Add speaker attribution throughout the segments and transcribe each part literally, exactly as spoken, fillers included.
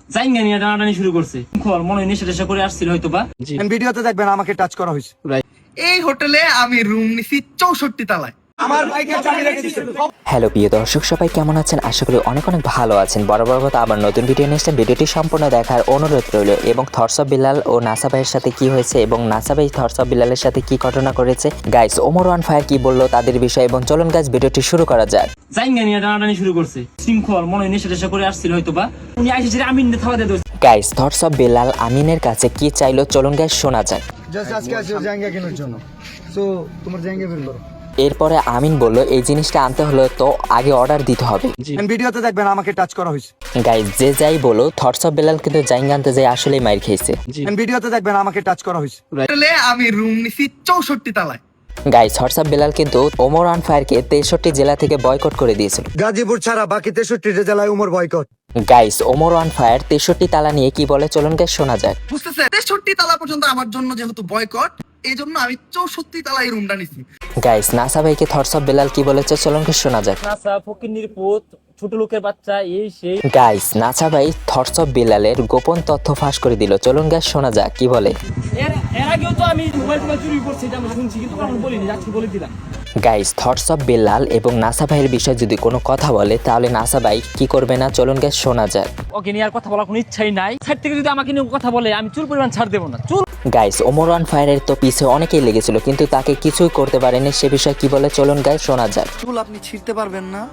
Speaker 1: জাইঙ্গা নিয়ে টানাটানি শুরু করছে। খল মনে হয় নেশা টেশা করে আসছিল হয়তো বা।
Speaker 2: ভিডিওতে দেখবেন আমাকে টাচ করা হয়েছে।
Speaker 3: এই হোটেলে আমি রুম নিছি চৌষট্টি তলায়।
Speaker 2: আমার বাইকের চাবি রেখে দিয়েছে।
Speaker 4: হ্যালো প্রিয় দর্শক, সবাই কেমন আছেন? আশা করি অনেক অনেক ভালো আছেন। বরাবর মতো আবার নতুন ভিডিও নিয়ে এসেছেন। ভিডিওটি সম্পূর্ণ দেখার অনুরোধ রইল এবং থটস অফ বিলাল ও নাসা ভাইয়ের সাথে কি হয়েছে এবং নাসা ভাই থটস অফ বিলালের সাথে কি ঘটনা করেছে, গাইস ওমর ওয়ান ফায়ার কি বললো তাদের বিষয়ে, এবং চলুন গাইস ভিডিওটি শুরু করা যাক।
Speaker 1: জাইঙ্গা নিয়ে টানাটানি শুরু করছে। শৃঙ্খল মনে হয় নেশা টেশা করে আসছিল হয়তো বা। উনি আইসে আমি থাওয়া দিয়ে দিয়েছে।
Speaker 4: গাইস থটস অফ বিলাল আমিনের কাছে কি চাইলো চলুন গাইস শোনা যাক।
Speaker 2: জাস্ট আজকে আসো জায়গা কেনার জন্য, সো তোমার জায়গা বের করো।
Speaker 4: এরপরে আমিন বলল এই জিনিসটা আনতে হলে তো আগে অর্ডার দিতে হবে।
Speaker 2: ভিডিওতে দেখবেন আমাকে টাচ করা হয়েছে।
Speaker 4: গাইস যে যাই বলো থটস অফ বিলাল কিন্তু জাইঙ্গা আনতে যাই আসলেই মাইর খেয়েছে।
Speaker 2: ভিডিওতে দেখবেন আমাকে টাচ করা হয়েছে।
Speaker 3: হোটেলে আমি রুম নিছি চৌষট্টি তলায়।
Speaker 4: গাইস থটস অফ বিলাল কিন্তু ওমর ওয়ান ফায়ারকে তেষট্টি জেলা থেকে বয়কট করে দিয়েছিল।
Speaker 2: গাজীপুর ছাড়া বাকি তেষট্টি জেলায় Umar boycott.
Speaker 4: Guys Omar one fire তেষট্টি তালা নিয়ে কি বলে চলুন গাইস শোনা যাক।
Speaker 3: বুঝতেছে তেষট্টি তলা পর্যন্ত আমার জন্য যেহেতু বয়কট, এই জন্য আমি চৌষট্টি তলায় রুমটা নিছি।
Speaker 4: গাইস নাসা ভাইকে থটস অফ বিলাল কি বলেছে চলুন গাইস শোনা যাক।
Speaker 1: নাসা ফকিন্নির পুত, ছোট লোকের বাচ্চা, এই সেই।
Speaker 4: গাইস নাসা ভাই থটস অফ বিলালের গোপন তথ্য ফাঁস করে দিল। চলুন গাইস শোনা যাক কি বলে।
Speaker 1: এর এর আগেও তো আমি মোবাইল টোবাইল চুরি করছি, এটা আমি শুনছি, কিন্তু কখনো বলিনি, আজকে বলে দিলাম।
Speaker 4: গাইস থটস অফ বিলাল এবং নাসা ভাইয়ের বিষয়ে যদি কোনো কথা বলে তাহলে নাসা ভাই কি করবে না চলুন গাইস শোনা যাক।
Speaker 1: ওকে নিয়ে আর কথা বলার কোনো ইচ্ছাই নাই। সাইড থেকে যদি আমাকে নিয়ে কথা বলে আমি চুল পরিমাণ ছাড় দেবো না। চুল
Speaker 4: গাইস ওমর ওয়ান ফায়ারের তো পিছে অনেকেই লেগেছিল কিন্তু তাকে কিছুই করতে পারেনি, সে বিষয়ে কি বলে চলুন গাইস শোনা যাক।
Speaker 5: চুল আপনি ছিঁড়তে পারবেন না,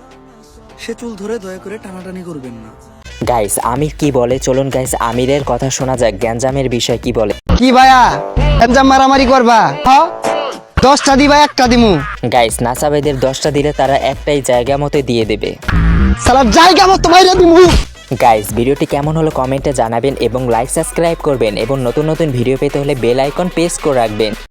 Speaker 5: সে চুল ধরে দয়া করে টানাটানি করবেন না।
Speaker 4: গাইস আমির কি বলে চলুন গাইস আমিরের কথা শোনা যাক। গ্যাঞ্জামের বিষয় কি বলে।
Speaker 5: কি ভাইয়া এমজাম মারামারি করবা? হ্যাঁ দশটা দিবা একটা দিমু।
Speaker 4: গাইস নাসা ভাইদের দশটা দিলে তারা একটাই জায়গা মতো দিয়ে দেবে।
Speaker 5: সালাম জায়গা মতো মাইরা দিমু।
Speaker 4: গাইস ভিডিওটি কেমন হলো কমেন্টে জানাবেন এবং লাইক সাবস্ক্রাইব করবেন এবং নতুন নতুন ভিডিও পেতে হলে বেল আইকন প্রেস করে রাখবেন।